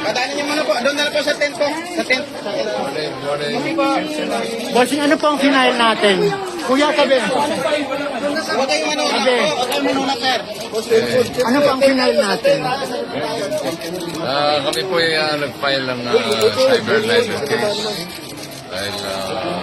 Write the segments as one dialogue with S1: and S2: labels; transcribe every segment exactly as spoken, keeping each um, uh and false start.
S1: Padaanan niyo muna po. Doon na lang po sa tent po. Sa tent.
S2: Morning, morning.
S3: Bossing, ano po ang final natin? Kuya, sabi.
S1: Huwag kayong manunat
S3: Sabi.
S1: po. Huwag kayong manunat, sir.
S3: Ano po ang final natin?
S2: Ah, kami po ay ah, nag-file ng ah, cyber libel case. Dahil ah,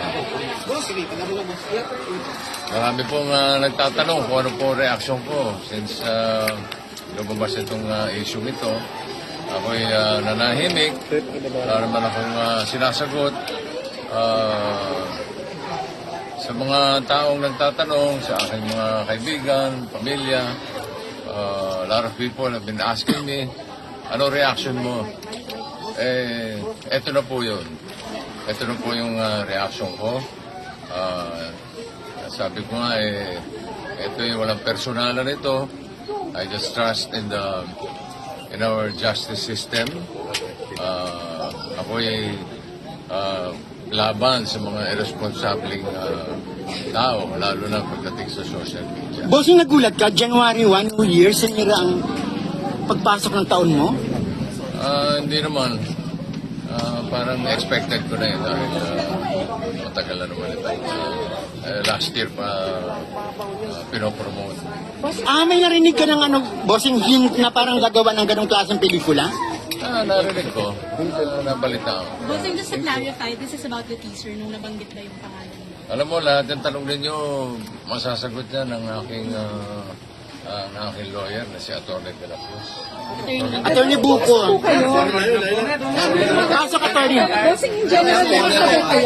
S2: marami pong ah, nagtatanong kung ano po reaction ko since uh, lumabas itong ah, issue ito. Ako'y ah, nanahimik. Wala naman akong ah, sinasagot. Ah, sa mga taong nagtatanong, sa aking mga kaibigan, pamilya, uh, a lot of people have been asking me, ano reaction mo? Eh, eto na po yun. Ito na po yung uh, reaction ko. Uh, sabi ko nga, eh, ito yung walang personalan ito. I just trust in the in our justice system. Uh, ako ay uh, laban sa mga irresponsibleng uh, tao, lalo na pagdating sa social media.
S3: Bossing, nagulat ka, January first, New Year, sinira ang pagpasok ng taon mo?
S2: Uh, hindi naman. Uh, parang expected ko na yun dahil uh, matagal na naman ito. Uh, uh, last year pa uh, pinopromote.
S3: Ah, may narinig ka ng ano, bossing, hint na parang gagawa ng ganong klaseng pelikula?
S2: Ah, narinig ko. Uh, nabalita ako.
S4: Bossing, just to clarify, this is about the teaser nung nabanggit na yung pangalan niyo.
S2: Alam mo, lahat ng tanong ninyo, masasagot yan ng aking, uh, uh, ng aking lawyer na si Atty. De La Cruz.
S3: Attorney Buko. Pasok, attorney.
S4: Bossing, in general, kumusta po kayo?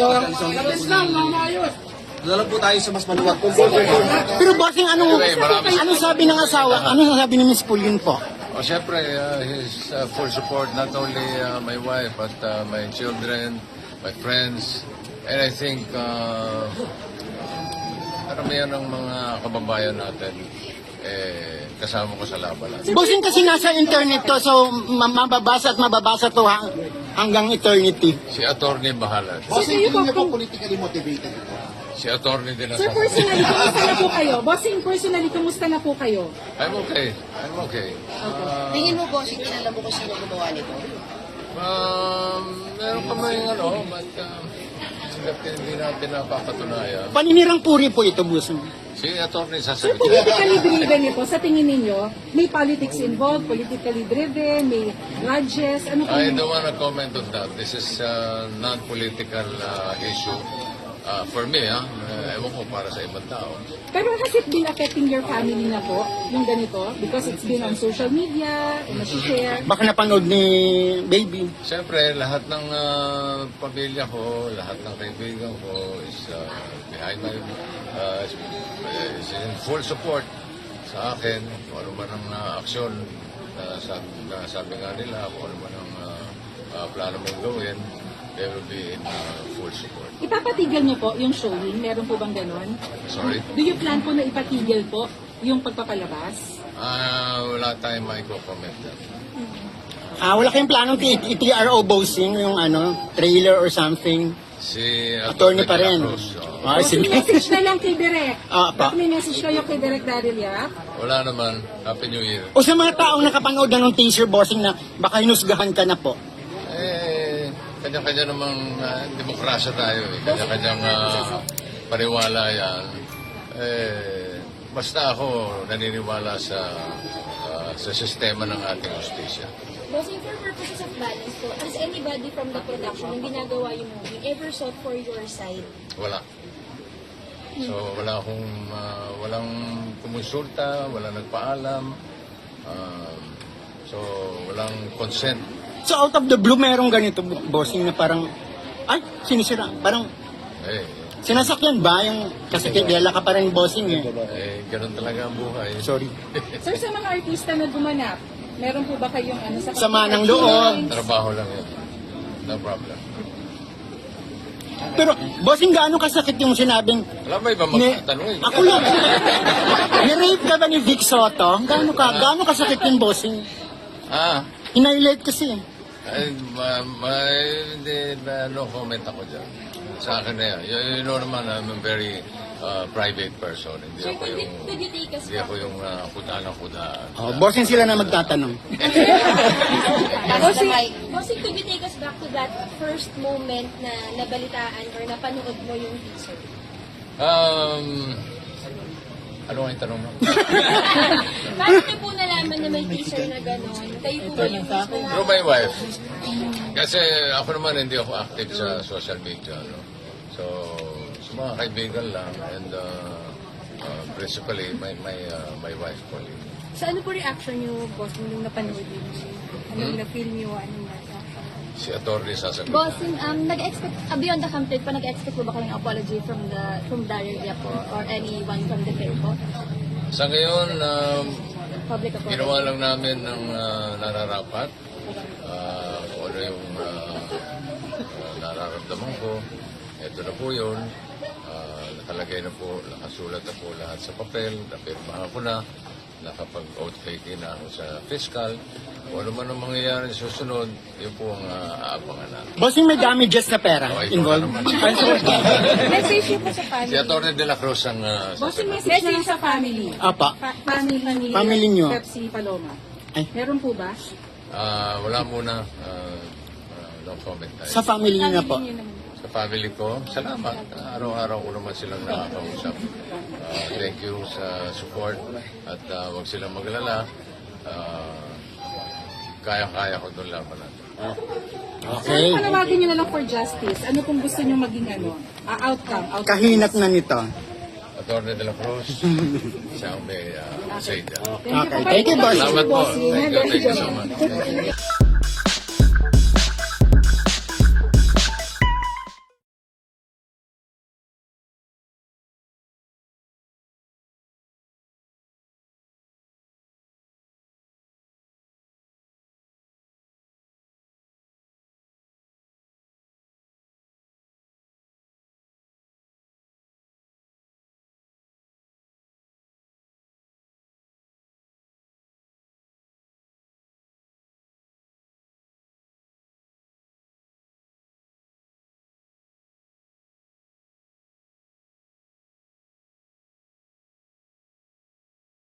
S1: Lalo po tayo sa mas maluwag.
S3: Pero bossing, anong,
S2: Anyway, marami-
S3: anong sabi ng asawa? Anong sabi ni Miss Pauline po?
S2: Oh, siyempre, uh, his uh, full support, not only uh, my wife, but uh, my children, my friends, and I think uh, karamihan ng mga kababayan natin eh, kasama ko sa laban natin.
S3: Bossing, kasi nasa internet to, so ma- mababasa at mababasa to hang- hanggang eternity.
S2: Si attorney bahala.
S1: Bossing, hindi na po politically motivated.
S2: Si attorney din ang
S4: Sir, personally, kumusta na po kayo? Bossing, personally, kumusta na po kayo?
S2: I'm okay. I'm okay. Uh,
S5: Tingin mo, bossing, kilala mo kung sino gumawa nito?
S2: um, meron pa may ano, but um, hindi hindi natin napapatunayan.
S3: Paninirang puri po ito, bossing.
S2: Si attorney
S4: Sir,
S2: sasagot.
S4: politically driven ito, sa tingin ninyo, may politics involved, politically driven, may grudges, ano po?
S2: I don't want to comment on that. This is a non-political uh, issue. Uh, for me, ha, uh, ewan ko para sa ibang tao.
S4: Pero has it been affecting your family na po, yung ganito? Because it's been on social media, nasi-share.
S3: Baka napanood ni baby.
S2: Siyempre, lahat ng uh, pamilya ko, lahat ng kaibigan ko is uh, behind my, uh, is, is in full support sa akin. Kung ano man ang uh, aksyon na sabi, na sabi nga nila, kung ano man ang uh, uh, plano mong gawin, they will be in uh, full support.
S4: Ipapatigil niyo po yung showing? Meron po bang ganon?
S2: Sorry?
S4: Do you plan po na ipatigil po yung pagpapalabas?
S2: Ah, wala tayong maiko-comment dyan.
S3: Ah, wala kayong planong i-T R O bossing, yung ano, trailer or something.
S2: Si
S3: Attorney pa
S2: De La
S3: rin.
S2: Cruz, oh.
S3: Ah,
S4: Bossing,
S3: sige.
S4: message na lang kay Direk.
S3: Ah, pa.
S4: Bakit may message kayo kay Direk Daryl Yap?
S2: Wala naman. Happy New Year.
S3: O sa mga taong nakapanood na ng teaser, bossing, na baka hinusgahan ka na po.
S2: Eh, kanya-kanya namang uh, demokrasya tayo. Eh. Kanya-kanyang uh, paniwala yan. Eh, basta ako naniniwala sa uh, sa sistema ng ating justisya.
S6: Bossing, for purposes of balance po, has anybody from the production yung ginagawa yung movie ever sought for your side?
S2: Wala. So, wala akong, uh, walang kumonsulta, walang nagpaalam. Um, so, walang consent.
S3: So out of the blue, merong ganito, bossing, na parang, ay, sinisira. Parang,
S2: Eh,
S3: sinasakyan ba yung, kasi kilala ka pa rin, bossing eh.
S2: eh, ganun talaga ang buhay.
S3: Sorry.
S4: Sir, sa mga artista na gumanap, meron po ba kayong ano sa
S3: Sama ng loob.
S2: Trabaho lang yun. No problem.
S3: Pero, bossing, gaano kasakit yung sinabing,
S2: Alam mo, iba
S3: ni,
S2: magtatanong eh.
S3: ako lang, ni-rape ka ba ni Vic Soto? Gaano ka, gaano kasakit yung bossing?
S2: Ah,
S3: Hinighlight kasi.
S2: ay, ma, ma, hindi, na, no comment ako dyan. Sa akin na yan. You, you know naman, I'm a very uh, private person. Hindi
S6: Sir,
S2: ako
S6: could,
S2: yung,
S6: you- could you take us
S2: hindi ako yung uh, kudaan ng kudaan.
S3: Oh, bossing sila na magtatanong.
S4: Bossing,
S6: Bossing, could you take us back to that first moment na nabalitaan or napanood mo yung teaser?
S2: Um, ano nga yung tanong mo?
S6: Paano niyo po nalaman na may teaser na gano'n? Kayo po ba yung mismo?
S2: Through my wife. Kasi ako naman hindi ako active sa social media. No? So, sa mga kaibigan lang and uh, uh, principally my my uh, my wife po.
S4: Sa ano po reaction niyo, boss, nung napanood niyo? Anong
S2: Hmm?
S4: na-feel niyo? Anong reaction?
S2: Si Atty. sasagot.
S7: Bossing, um, nag-expect, uh, beyond the campaign pa, nag-expect po ba kayong apology from the from Daryl Yap po or anyone from the fair po?
S2: Sa ngayon, um,
S7: Public apology.
S2: ginawa lang namin ng uh, nararapat. Uh, kung ano yung uh, uh, nararamdaman ko. Ito na po yun. Uh, nakalagay na po, nakasulat na po lahat sa papel. Napirmahan ko na. Nakapag-oath taking na ako sa fiscal. Kung ano man ang mangyayari sa susunod, yun po ang uh, aabangan natin.
S3: Bossing, may damages na pera
S2: Okay,
S3: involved.
S2: naman.
S4: Message niyo po sa family.
S2: Si Atty. De La Cruz ang uh,
S4: Bossing,
S2: sasagot.
S4: message niyo sa family.
S3: Apa.
S4: Fa- family ni
S3: Family niyo.
S4: Pepsi Paloma.
S3: Ay.
S4: Meron po ba?
S2: Ah, wala muna. Uh, uh, no comment tayo.
S3: Sa family niyo na po.
S4: Family niyo naman.
S2: Sa family ko, salamat. Araw-araw ko naman silang nakakausap. Uh, thank you sa support at uh, huwag silang maglala. Uh, kaya-kaya ko doon laban natin.
S3: Okay.
S4: Ano panawagan niyo na lang for justice? Ano kung gusto niyo maging ano? Ah, outcome, outcome.
S3: Kahinat na nito.
S2: Atty. De La Cruz, siya ang may uh, say dyan.
S3: Okay. Thank you, boss.
S2: Salamat po. Thank you, thank you so much.